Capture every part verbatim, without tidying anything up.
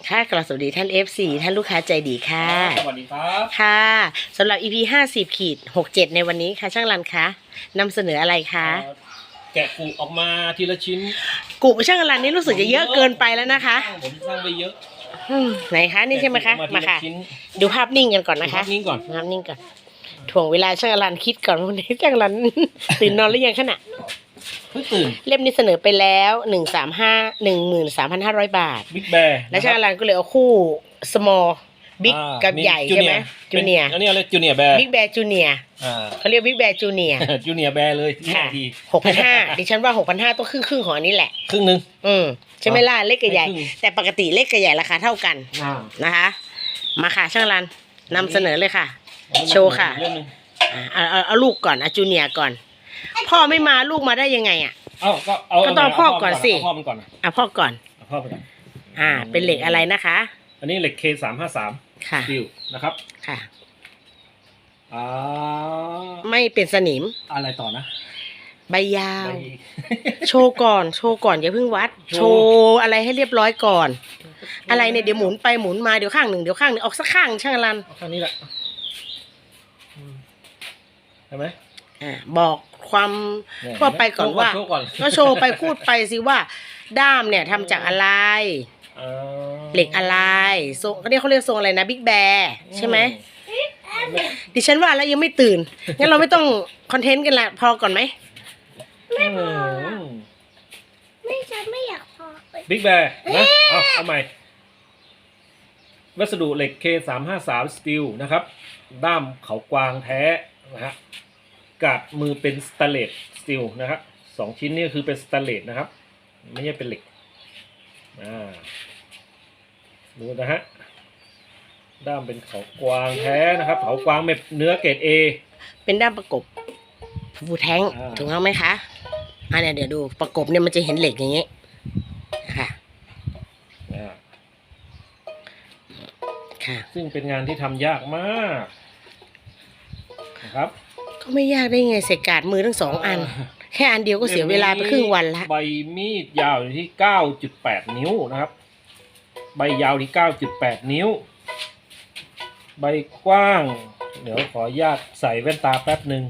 ค่ะกราบสวัสดีท่าน เอฟ ซี ท่านลูกค้าใจดีค่ะสวัสดีครับค่ะสำหรับ อี พี ห้าสิบขีดหกสิบเจ็ดในวันนี้ค่ะช่างรันคะนำเสนออะไรคะแกะกุออกมาทีละชิ้นกุช่างรันนี่รู้สึกจะเยอะเกินไปแล้วนะคะผมสร้างไปเยอะไหนคะนี่ใช่ไหมคะมาค่ะดูภาพนิ่งกันก่อนนะคะภาพนิ่งก่อนภาพนิ่งก่อนถ่วงเวลาช่างรันคิดก่อนวันนี้ช่างรันตื่นนอนหรือยังขณะเพิ่งตื่นเล่มนี้เสนอไปแล้วหนึ่งสามห้าหนึ่งหมื่นสามพันห้าร้อยบาทบิ๊กแบร์และช่างรันก็เลยเอาคู่ small บิ๊กกับใหญ่ใช่ไหมจูเนียร์อันนี้อะไรจูเนียร์แบร์บิ๊กแบร์จูเนียร์เขาเรียกบิ๊กแบร์จูเนียร์จูเนียร์แบร์เลยค่ะหกพันห้าดิฉันว่าหกพันห้าต้องครึ่งครึ่งของอันนี้แหละครึ่งหนึ่งอืมใช่ไหมล่ะเล็กกับใหญ่แต่ปกติเล็กกับใหญ่ราคาเท่ากันนะคะมาค่ะช่างรันนำเสนอเลยค่ะโชว์ค่ะเอาเอาเอาลูกก่อนเอาจูเนียร์ก่อนพ่อไม่มาลูกมาได้ยังไงอ่ะเอาก็เอาก็ต้องพ่อก่อนสิพ่อมันก่อนอ่ะพ่อก่อนพ่อไปก่อนอ่าเป็นเหล็กอะไรนะคะอันนี้เหล็ก เค สามห้าสามค่ะดิวนะครับค่ะอ่าไม่เป็นสนิมอะไรต่อนะใบยาวโชว์ก่อนโชว์ก่อนอย่าเพิ่งวัดโชว์อะไรให้เรียบร้อยก่อนอะไรเนี่ยเดี๋ยวหมุนไปหมุนมาเดี๋ยวข้างหนึ่งเดี๋ยวข้างหนึ่งออกสักข้างช่างรันข้างนี้แหละใช่ไหมอ่าบอกความทั่วไปก่อนว่าก็โชว์ไปพูดไปสิว่าด้ามเนี่ยทำจากอะไรเหล็กอะไรทรงนี่เขาเรียกทรงอะไรนะบิ๊กแบร์ใช่ไหมดิฉันว่าแล้วยังไม่ตื่นงั้นเราไม่ต้องคอนเทนต์กันละพอก่อนไหมไม่พอไม่ฉันไม่อยากพอบิ๊กแบร์นะเอาเอาใหม่วัสดุเหล็ก เค สามห้าสาม สตีลนะครับด้ามเขากวางแท้นะฮะกาดมือเป็นสแตนเลสสตีลนะครับสองชิ้นนี้คือเป็นสแตนเลสนะครับไม่ใช่เป็นเหล็กอ่าดูนะฮะด้ามเป็นเขากวางแท้นะครับเขากวางแบบเนื้อเกรด เอเป็นด้ามประกบฟูแท้งถูกต้องไหมคะอันนี้เดี๋ยวดูประกบเนี่ยมันจะเห็นเหล็กอย่างนี้ค่ะค่ะซึ่งเป็นงานที่ทำยากมากนะครับก็ไม่ยากได้ไงเสกกาดมือทั้งสองอันแค่อันเดียวก็เสียเวลาไปครึ่งวันละใบมีดยาวอยู่ที่ เก้าจุดแปด นิ้วนะครับใบยาวที่ เก้าจุดแปด นิ้วใบกว้างเดี๋ยวขออนุญาตใส่แว่นตาแป๊บหนึ่ง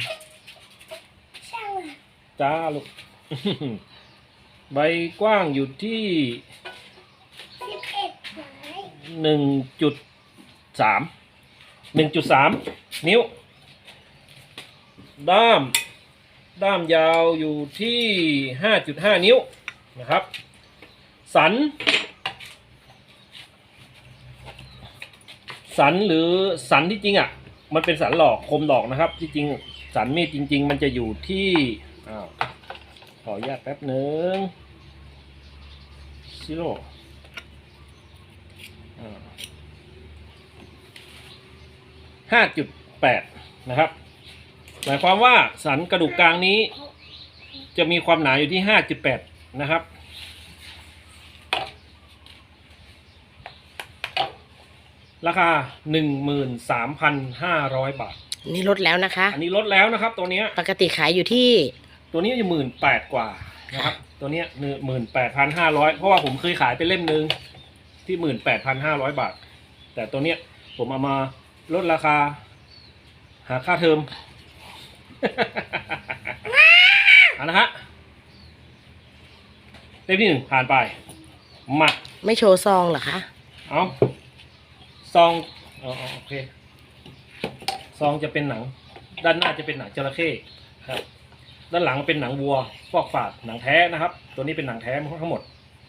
จ้าลูก ใบกว้างอยู่ที่หนึ่งจุดสามหนึ่งจุดสามนิ้วด้ามด้ามยาวอยู่ที่ห้าจุดห้านิ้วนะครับสันสันหรือสันที่จริงอ่ะมันเป็นสันหลอกคมหลอกนะครับที่จริงสันมีดจริงๆมันจะอยู่ที่อ้าวขออนุญาตแป๊บหนึ่งซิโร่ห้าจุดแปดนะครับหมายความว่าสันกระดูกกลางนี้จะมีความหนาอยู่ที่ห้าจุดแปดนะครับราคา หนึ่งหมื่นสามพันห้าร้อย บาทนี่ลดแล้วนะคะอันนี้ลดแล้วนะครับตัวนี้ปกติขายอยู่ที่ตัวนี้อยู่ หนึ่งหมื่นแปดพัน กว่านะครับตัวนี้ หนึ่งหมื่นแปดพันห้าร้อย เพราะว่าผมเคยขายไปเล่มนึงที่ หนึ่งหมื่นแปดพันห้าร้อย บาทแต่ตัวเนี้ยผมเอามาลดราคาหาค่าเทอมเอานะฮะเล่มที่หนึ่งผ่านไปมาไม่โชว์ซองเหรอคะเอาซองอ๋อโอเคซองจะเป็นหนังด้านหน้าจะเป็นหนังจระเข้ครับด้านหลังเป็นหนังวัวฟอกฝาดหนังแท้นะครับตัวนี้เป็นหนังแท้ทั้งหมด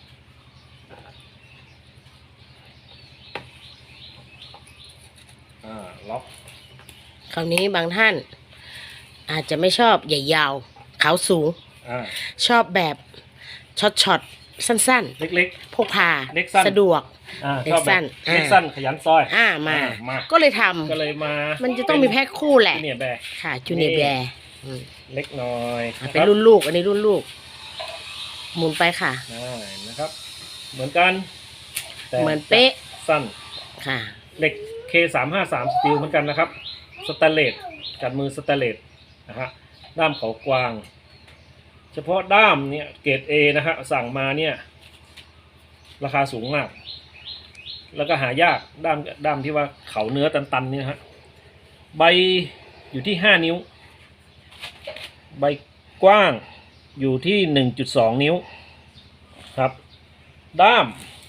อ่าล็อกคราวนี้บางท่านอาจจะไม่ชอบใหญ่ยาวขาวสูงชอบแบบช็อตช็อตสั้นๆเล็กๆพกพาสะดวกเล็กสั้นเล็กสั้นขยันซอยอ่ามาก็เลยทำก็เลยมามันจะต้องมีแพ็คคู่แหละจูเนียร์แบร์ค่ะจูเนียร์แบร์เล็กน้อยเป็นรุ่นลูกอันนี้รุ่นลูกหมุนไปค่ะนะครับเหมือนกันเหมือนเป๊ะสั้นค่ะเหล็ก เค สามห้าสาม สตีลเหมือนกันนะครับสแตนเลสกัดมือสแตนเลสนะฮะด้ามเขากวางเฉพาะด้ามเนี่ยเกรด เอ นะฮะสั่งมาเนี่ยราคาสูงมากแล้วก็หายากด้ามด้ามที่ว่าเขาเนื้อตันๆนี่นะฮะใบอยู่ที่ห้านิ้วใบกว้างอยู่ที่หนึ่งจุดสองนิ้วครับด้าม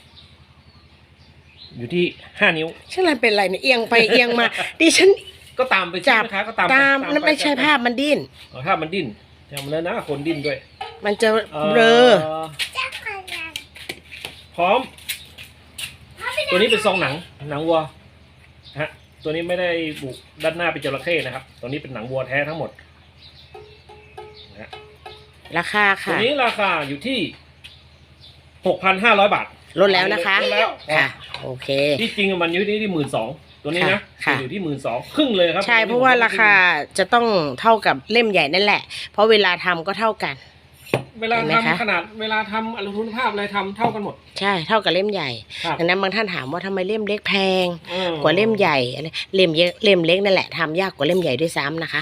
อยู่ที่ห้านิ้วฉันอะไรเป็นไรเนี่ยเอียงไปเอียงมาดิฉันก็ตามไปจับนะคะก็ตามตามปแล้วไม่ใช่ปภาพมันดิ้นอ๋อภาพมันดิ้นจำแล้วนะคนดิ้นด้วยมันจะเอ่อเบลอจักรยานพร้อม ตัวนี้เป็นทรงหนังหนังวัวฮะตัวนี้ไม่ได้บุด้านหน้าเป็นจระเข้นะครับตัวนี้เป็นหนังวัวแท้ทั้งหมดนะฮะราคาตัวค่ะนี้ราคาอยู่ที่หกพันห้าร้อยบาทลดแล้วนะคะลดแล้วค่ะ โอเคที่จริงมันอยู่ที่ที่หมื่นสองตัวนี้นะค่ะอยู่ที่หมื่นสองครึ่งเลยครับใช่เพราะว่าราคาจะต้องเท่ากับเล่มใหญ่นั่นแหละ เพราะเวลาทำก็เท่ากันเวลาเห็นไหมคะทำขนาดเวลาทำอนุทุนภาพอะไรทำเท่ากันหมดใช่เท่ากับเล่มใหญ่ครับดังนั้นบางท่านถามว่าทำไมเล่มเล็กแพงอืมกว่าเล่มใหญ่อะไรเล่มเยอะเล่มเล็กนั่นแหละทำยากกว่าเล่มใหญ่ด้วยซ้ำนะคะ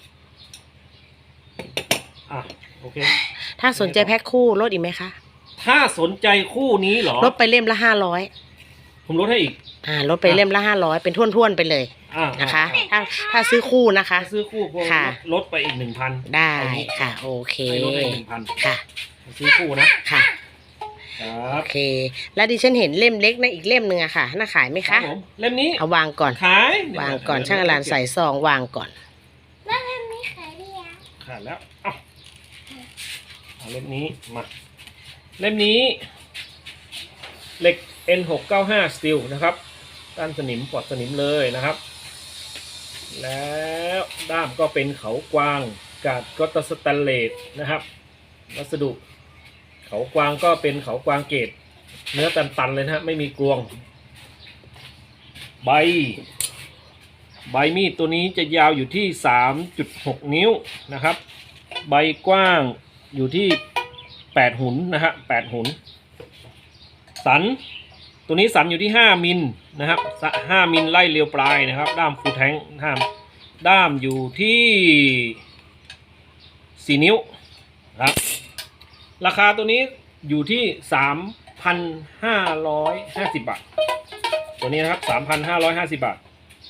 อ่ะโอเคถ้าสนใจแพ็คคู่ลดอีกไหมคะถ้าสนใจคู่นี้เหรอลดไปเล่มละห้าร้อยผมลดให้อีกอ่าลดไปเล่มละห้าร้อยเป็นท่วนๆไปเลยอ่านะคะอ่าถ้าถ้าซื้อคู่นะคะถ้าซื้อคู่พวกค่ะลดไปอีกหนึ่งพันได้ค่ะ โอเคให้ลดให้หนึ่งพันค่ะซื้อคู่นะค่ะครัโอบ เค แล้วดิฉันเห็นเล่มเล็กนะอีกเล่มหนึ่งอะค่ะน่าขายไหมครัคะบผมเล่มนี้เอาวางก่อนขายวางก่อนช่างอลันใส่ซองวางก่อนแล้วมันไม่ขายได้ยังขาดแล้วเอ้าเอาเล่มนี้มาเล่มนี้เหล็ก เอ็น หกเก้าห้า Steel นะครับด้านสนิมปลอดสนิมเลยนะครับ แล้วด้ามก็เป็นเขากวางกาดก็ตสแตนเลสนะครับวัสดุเขากวางก็เป็นเขากวางเกรดเนื้อตันๆเลยนะฮะไม่มีกรวง ใบ ใบมีดตัวนี้จะยาวอยู่ที่ สามจุดหก นิ้วนะครับ ใบกว้างอยู่ที่แปดหุนนะฮะแปดหุนสันตัวนี้สันอยู่ที่ห้ามิลนะครับห้ามิลไล่เรียวปลายนะครับด้ามฟูแทงด้ามด้ามอยู่ที่สี่นิ้วครับราคาตัวนี้อยู่ที่ สามพันห้าร้อยห้าสิบ บาทตัวนี้นะครับ สามพันห้าร้อยห้าสิบ บาท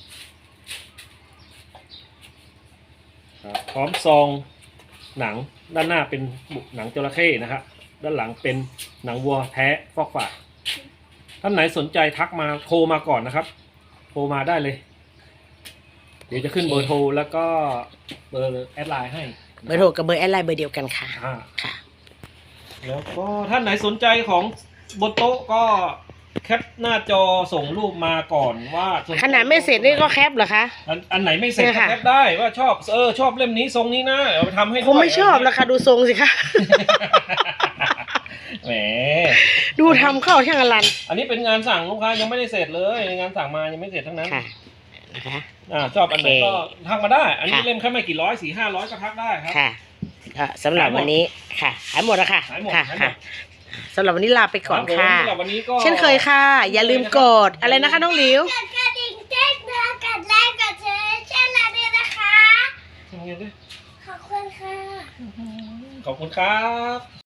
ครับพร้อมซองหนังด้านหน้าเป็นหนังจระเข้นะครับด้านหลังเป็นหนังวัวแท้ฟอกฝาดท่านไหนสนใจทักมาโทรมาก่อนนะครับโทรมาได้เลยเดี๋ยวจะขึ้นเบอร์โทรแล้วก็เบอร์แอดไลน์ให้เบอร์โทรกับเบอร์แอดไลน์เบอร์เดียวกันค่ะอ่าค่ะแล้วก็ท่านไหนสนใจของบนโต๊ะก็แคปหน้าจอส่งรูปมาก่อนว่าสใจขนาดไม่เสร็จนี่ก็แคปเหรอคะอันอันไหนไม่เสร็จเนี่ยก็ค่ะแคปได้ว่าชอบเออชอบเล่มนี้ทรงนี้นะเอาไปทำให้ด้วยผมไม่ชอบแล้วค่ะดูทรงสิคะแหมดูทำเข้าช่างอลันอันนี้เป็นงานสั่งลูกค้ายังไม่ได้เสร็จเลยงานสั่งมายังไม่เสร็จทั้งนั้นค่ะนะคะอ่าชอบอันไหนก็โอเคทักมาได้ อันนี้ค่ะเล่มแค่ไม่กี่ร้อยสี่ห้าร้อยก็ทักได้ครับค่ะก็สำหรับวันนี้ค่ะหายหมดแล้วค่ะหายหมดค่ะหายหมดค่ะสำหรับวันนี้ลาไปก่อนรับผมค่ะสำหรับวันนี้ก็เช่นเคยค่ะ อย่าลืมกดอะไรนะคะน้องหลิวกดกระดิ่งแจ้งเตือนกดไลค์กดแชร์ช่องเราด้วยนะคะทำไงด้วยขอบคุณค่ะขอบคุณครับ